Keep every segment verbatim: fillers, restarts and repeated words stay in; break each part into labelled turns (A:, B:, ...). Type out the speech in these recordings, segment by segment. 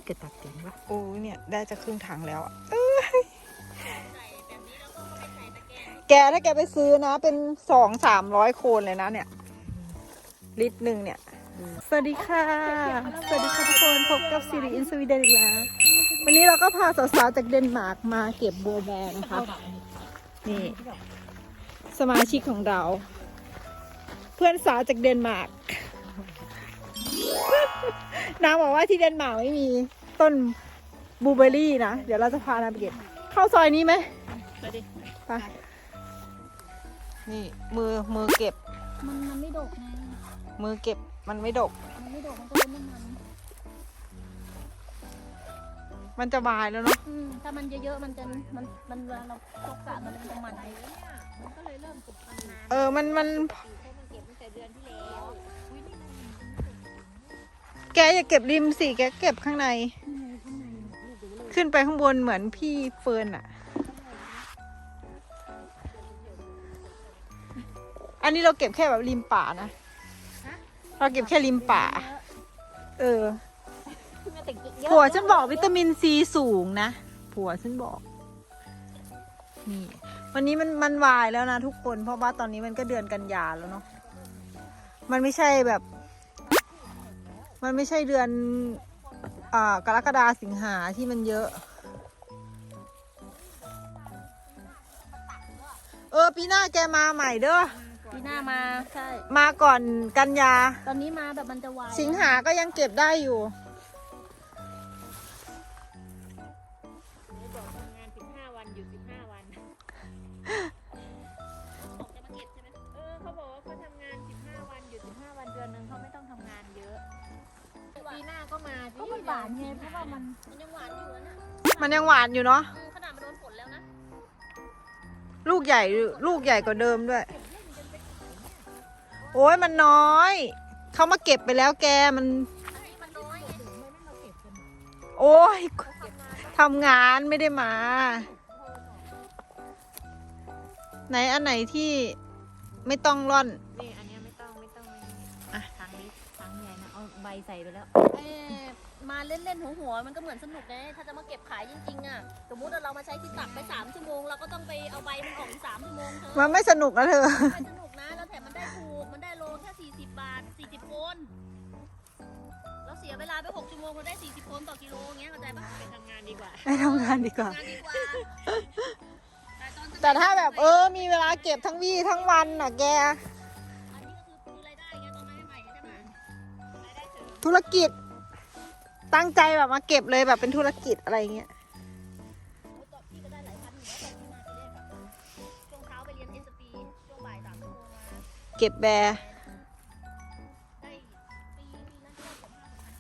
A: เกิดตักเก่งปะ
B: โอ้เนี่ยได้จะครึ่งถังแล้วอ่ะแกถ้าแกไปซื้อนะเป็นสองสามร้อยโคนเลยนะเนี่ยลิตรหนึ่งเนี่ยสวัสดีค่ะสวัสดีค่ะทุกคนพบกับซีรีส์อินสวีเดนอีกแล้ววันนี้เราก็พาสาวๆจากเดนมาร์กมาเก็บบัวแบงนะคะนี่สมาชิกของเรา เพื่อนสาวจากเดนมาร์กนางบอกว่าที่เดนมาร์กไม่มีต้นบลูเบอร์รี่นะเดี๋ยวเราจะพานางไปเก็บเข้าซอยนี้ไหมไปดิไปนี่มือมือเก็บ
C: มันมันไม่ดกไง
B: มือเก็บมันไม่ดก
C: มันไม่ดกมันก็เลยไม่มัน
B: มันจะบายแล้วเนาะ
C: ถ้ามันเยอะๆมันจะมันมันเวลาเราตกกะมันจะมันมันก็เลยเริ่มติดมันนาน
B: เออมันมัน
C: มันเก็บตั้งแต่เดือนที่แล้ว
B: แกอย่าเก็บริมสิแกเก็บข้างในขึ้นไปข้างบนเหมือนพี่เฟิร์นอะอันนี้เราเก็บแค่แบบริมป่านะเราเก็บแค่ริมป่าเออผัวฉันบอกวิตามินซีสูงนะผัวฉันบอกนี่วันนี้มันมันวายแล้วนะทุกคนเพราะว่าตอนนี้มันก็เดือนกันยาแล้วเนาะมันไม่ใช่แบบมันไม่ใช่เดือนอ่ากรกฎาสิงหาที่มันเยอะเออปีหน้าแกมาใหม่เด้อ
C: ปีหน้ามาใช่
B: มาก่อนกันยา
C: ตอนนี้มาแบบมันจะวาย
B: สิงหาก็ยังเก็บได้อยู่
C: บอกทำงานสิบห้าวันอยู่สิบห้าวันบอกจะมาเก็บใช่ไหมเออเขาบอกว่าเขาทำงานสิบห้าวันอยู่สิบห้าวันเดือนนึงเขาไม่ต้องทำงานเยอะปีหน้าก็มาก็มันหวานไงเพราะว่ามันมันยังหวานอยู่นะ
B: มันยังหวานอยู่เนาะ
C: ขนาดมันโดนฝนแล้วนะ
B: ลูกใหญ่ลูกใหญ่กว่าเดิมด้วยโอ้ยมันน้อยเขามาเก็บไปแล้วแกมันโอ้ยทำงานไม่ได้มาไหนอันไหนที่ไม่ต้องร่อน
C: นี่อันนี้ไม่ต้องไม่ต้องอ่ะทางนี้ทางใหญ่นะเอาใบใส่ไปแล้วเออมาเล่นๆหัวๆมันก็เหมือนสนุกไงถ้าจะมาเก็บขายจริงๆอ่ะสมมุติเรามาใช้ที่ตักไปสามชั่วโมงเราก็ต้องไปเอาใบมันออกอีกสามชั่วโมงเธอ
B: มันไม่สนุกนะเธอ
C: ไม่สนุกนะแล้วแถมมันได้ถูกมันได้โลแค่สี่สิบบาทสี่สิบโคนเราเสียเวลาไปหกชั่วโมงเราได้สี่สิบโคนต่อกิโลเงี้ยเข้าใจปะไปทำงานดีกว่า
B: ไปทำงานดีกว่าแต่ถ้าแบบเออมีเวลาเก็บทั้งวี่ทั้งวันน่ะแก
C: อันนี้ก็คือรายได้ไงตอนใหม่ๆใช่ไหมรายได้เสริม
B: ธุรกิจตั้งใจแบบมาเก็บเลยแบบเป็นธุรกิจอะไรเงี้ย
C: พี่ก็ได้หลายพันอยู่แล้วตอนที่มาไปเรียนแบบช่วงเช้าไปเรียนเอสปีช่วงบ่ายสามชั่วโมงมา
B: เก็บแบร์
C: ได้ปีนั้นได้ผม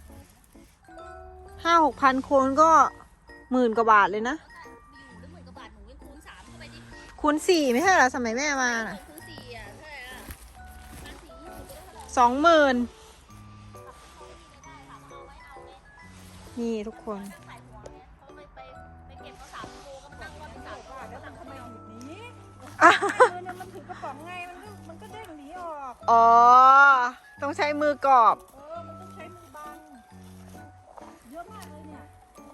B: ห้าหกพันโคนก็หมื่นกว่าบาทเลยนะ
C: อยู่ได้หมื่นกว่าบาทหนูยังคูณสามเข้าไปดิ
B: คูณสี่ไม่ใช่เหรอสมัยแม่มาน่ะ
C: คูณสี่อ่ะเท่าไหร่อ่ะคูณสี่ยี่สิบก็ได้เท่าไหร่
B: สองหมื่นนี่ทุกคน
A: มันถือกระป๋องไงมันก็มันก็เด้งหนีออก
B: อ๋อต้องใช้มือกอบ
A: เออมันต้องใช้มือบังเยอะมากเลยเนี่ย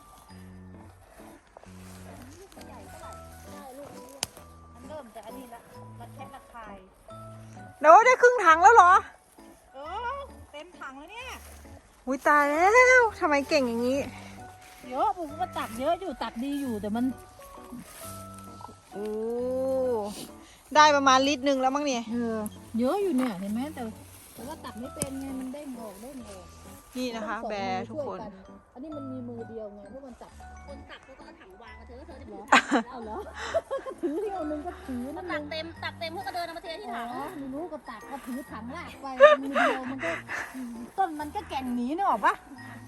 A: ลูกใหญ่เท่าไหร่ใช่ลูกนี้มันเริ่มแต่อันนี้ละระแคะระคาย
B: เดี๋ยวได้ครึ่งถังแล้วเหรอ
A: เออเต็มถังแล้วเนี่ย
B: อุ้ยตายแล้วทำไมเก่งอย่างนี้
A: เยอะผมก็ตักเยอะอยู่ตักดีอยู่แต่มัน
B: โอ้ได้ประมาณลิตรหนึ่งแล้วมั้งเนี่ย
A: เออเยอะอยู่เนี่ยเห็นไหมแต่แต่ว่าตักไม่เป็นไงมันได้หมอกได้หมอก
B: นี่นะคะแบร์ทุกคน
A: อันนี้มันมีมือเดียวไงเพราะมันตัก
C: คนตักเขาก็เอาถังวางมาเธอเธอจะถือ
A: เอาเหรอก็ถือที่เอาหนึ่งก็ถือ
C: ตักเต็มตักเต็มเพื่อก็เดินมาเทที่ถัง
A: ไม่รู้ก็ตักก็ถือถังลากไปมือเดียวมันก็ต้นมันก็แก่นหนีนึกออกปะ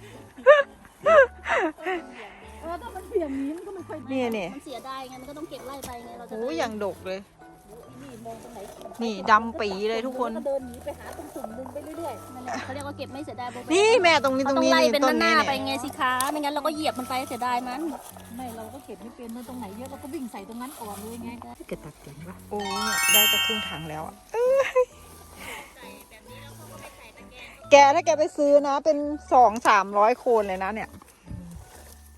A: เออถ้ามันเสี่ยงหนีมันก็ไม่ค่อย
B: นี่เนี่ย
C: มันเสียดายไงมันก็ต้องเก็บไล่ไปไงเราจะ
B: โอ้ยอย่างดกเลย
C: นี่มองตรงไหน
B: นี่ดำปีเลยทุกคน
C: เดินหนีไปหาตรงสุ่มดึงไปเรื่อยๆนั่นแหละเขาเรียกว่าเก็บไม่เสียดายโบ
B: นี่แม่ตรงนี้ตรงนี้
C: ต้องไล่เป็นหน้าไปไงสิคะไม่งั้นเราก็เหยียบมันไปเสียดายมัน
A: ไม่เราก็เก็บไม่เป็นนะตรงไหนเยอะเราก็วิ่งใส่ตรงนั้นก่อนเลยไง
B: เกิดตักเก่งปะโอ้เนี่ยได้จะครึ่งถังแล้วอ่ะแกถ้าแกไปซื้อนะเป็นสองสามร้อยโคนเลยนะเนี่ย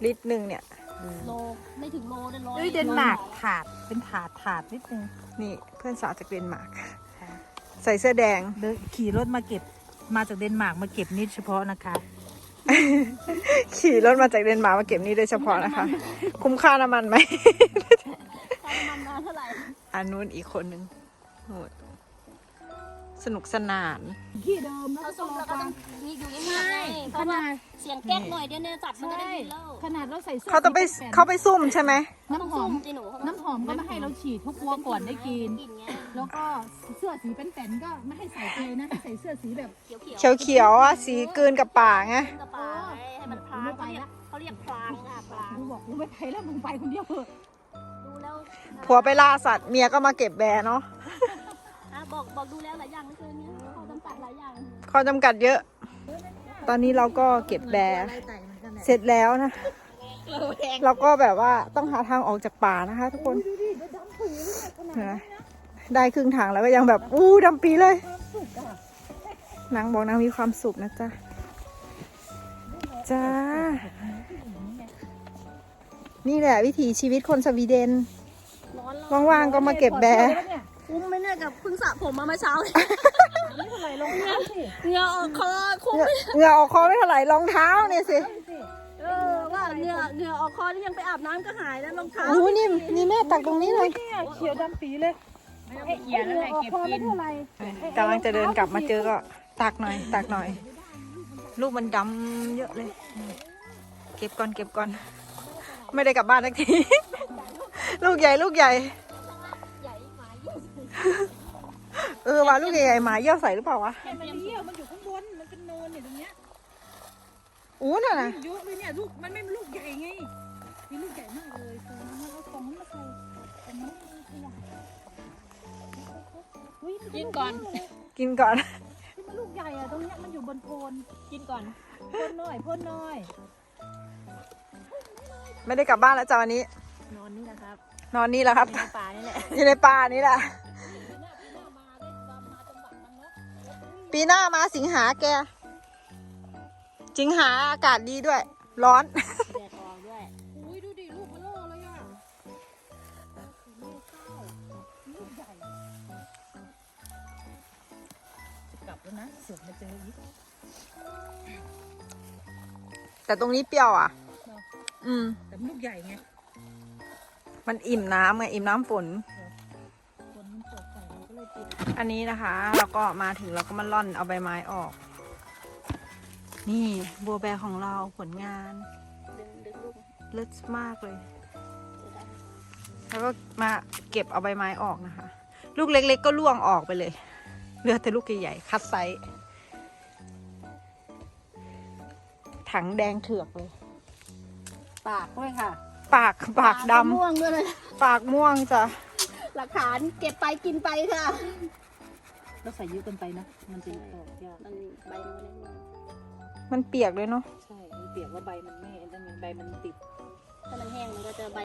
B: ลิตรหนึ่งเนี่ย
C: โลไม่ถึงโลได้ร้อย
A: เอ้ยเดนมาร์กถาดเป็นถาดถาดนิดนึง
B: นี่เพื่อนสาวจากเดนมาร์กใส่เสื้อแดง
A: เดินขี่รถมาเก็บมาจากเดนมาร์กมาเก็บนิดเฉพาะนะคะ
B: ขี่รถมาจากเดนมาร์กมาเก็บนี่โดยเฉพาะนะคะ คุ้มค่าน้ำมันไหม
C: ค่าน้ำมันมาเท่าไหร่
B: อันนู้นอีกคนนึงโหดสนุกสนาน
A: ที่เดิมแล้ว
C: เขา
A: ก็
C: ซุ่ม
A: รอ
C: แล้วก็
A: ฟั
C: ต้อง งนี่อยู่ยังไงเพ
A: ข
C: ราะว่า
A: นาด
C: เสียงแก๊กหน่อยเดี๋ยวเนี่ยจัดมันก็
A: ใช่
C: ได้ยินแล้ว
A: ขนาดเราใส่เสื้อ
B: เขาต้องไป
A: สีแปด
B: เขาไปซุ่มใช่ไหม
C: ต้อ
A: น้ำ
C: ง
A: หอ
C: ซุ่
A: ม
C: มจีหนู
A: น้ำหอมก็ไม่ให้เราฉีดทุกวัวก่อนได้กิน
C: กินไง
A: แล้วก็เสื้อสีเป็นแผ่นๆก็ไม่ให้ใส่เลยนะให้ใส่เสื้อสีแบบ
C: เขียวเขียว
B: เขียวเขียวๆอ่ะสีกลืนกับป่าไง
C: กระป๋าให้มันพลางเขาเรียกเขาเรียกพลางค่ะพลาง
A: กูบอกกูไม่ไปแล้วมึงไปคนเดียวเถอะ
C: ดูแล้ว
B: ผัวไปล่าสัตว์เมียก็มาเก็บแบร์เนาะ
C: อ่ะบอกบอกดูแล้วหลายอย่างไม่เคยเนี่ยเขาจำกัดหลายอย่าง
B: ข้อจำกัดเยอะ ตอนนี้เราก็เก็บแบร์เสร็จแล้วนะ เราก็แบบว่าต้องหาทางออกจากป่านะคะ ทุกคนเห็นไหมได้ครึ่งทางแล้วก็ยังแบบอู้ดำปีเลยนางบอกนางมีความสุขนะจ๊ะจ้านี่แหละวิถีชีวิตคนสวีเดน
C: ร้อนแล้ว
B: ว่างๆก็มาเก็บแบร์
C: คุ้มไหมเนี่ยกับเพิ่งสระผมมาเมื่อเช้าเลย
A: นี่เท่าไหร่ลงเท้าสิ
C: เหงื่อออกคอคุ้ม
B: เหงื่อออกคอไม่เท่าไหร่รองเท้าเนี่ยสิ
C: เออว่าเหงื่อเหงื่อออกคอนี่ยังไปอาบน้ำก็หายแล้วรองเท้า
B: โอ้นี่นี่แม่ตักตรงนี้เลย
A: เนี่ยเขียวดำปีเลยให้เขียนอะไรเก็บกินเท่าไหร่
B: กำลังจะเดินกลับมาเจอก็ตักหน่อย ตักหน่อย ลูกมันดำเยอะเลย เก็บก่อนเก็บก่อน ไม่ได้กลับบ้านสักที ลูกใหญ่ลูกใหญ่
C: ใหญ่หมายิ่ง
B: เออว่าลูกใหญ่ๆหมาเยี่ยวใส่หรือเปล่าวะ
A: แค่มันเยี่ยวมันอยู่ข้างบนมันเป็นเนินเนี่ยตรงเนี้ย
B: อู้น่ะนะ
A: เยอะเลยเนี่ยลูกมันไม่ลูกใหญ่ไงมีลูกใหญ่มากเลยคือมันเอาของนั้นมาใส่แต่มันไม่มีขยะอุ๊ยมัเป็
C: กินก่อน
A: ลูเลย
B: กินก่อน
A: ที่มันลูกใหญ่อะตรงเนี้ยมันอยู่บนโพน
C: กินก่อน
A: พ่นน้อยพ่นน้อย
B: ไม่ได้กลับบ้านแล้วจ้าวันนี้
C: นอนนี่นะครับ
B: นอนนี่แหละครับ
C: ในป่านี่แหละ
B: อยู่ในป่านี่แหละ ปีหน้ามาสิงหาแก สิงหาอากาศดีด้วย ร้อน
C: แดดออกด้วย
A: อุ้ยดูดิลูกมันโล่เลยอะลูกใหญ่จะกลับแล้วนะเสือกมาเจออีก
B: แต่ตรงนี้เปรี้ยวอ่ะ อืม
A: แต่มันลูกใหญ่ไง
B: มันอิ่มน้ำไงอิ่มน้ำฝน
A: คนมันตกใส่เราก็เลยปิด
B: อันนี้นะคะ เราก็มาถึงเราก็มาล่อนเอาใบไม้ออก นี่บัวแบของเราผลงาน
C: ดึงดึงลูก
B: เลิศมากเลย
C: จะได้
B: แล้วก็มาเก็บเอาใบไม้ออกนะคะ ลูกเล็กๆก็ล่วงออกไปเลยเหลือแต่ลูกใหญ่ๆคัดไซส์ถังแดงเถือกเลย
A: ปากด้วยค่ะ
B: ปากปากด
C: ม่วงด้วยเลย
B: ำปากม่วงจ้ะ
C: หลักฐานเก็บไปกินไปค่ะ
A: เราใส่เยอะเกินไปนะ มันจะออกยาก
C: มันใบมันเลย
B: มันเปียกเลยเนาะ
A: ใช่มันเปียกว่าใบมันไม่นั่นไงใบมันติด
C: ถ้ามันแห้งมันก็จะใบ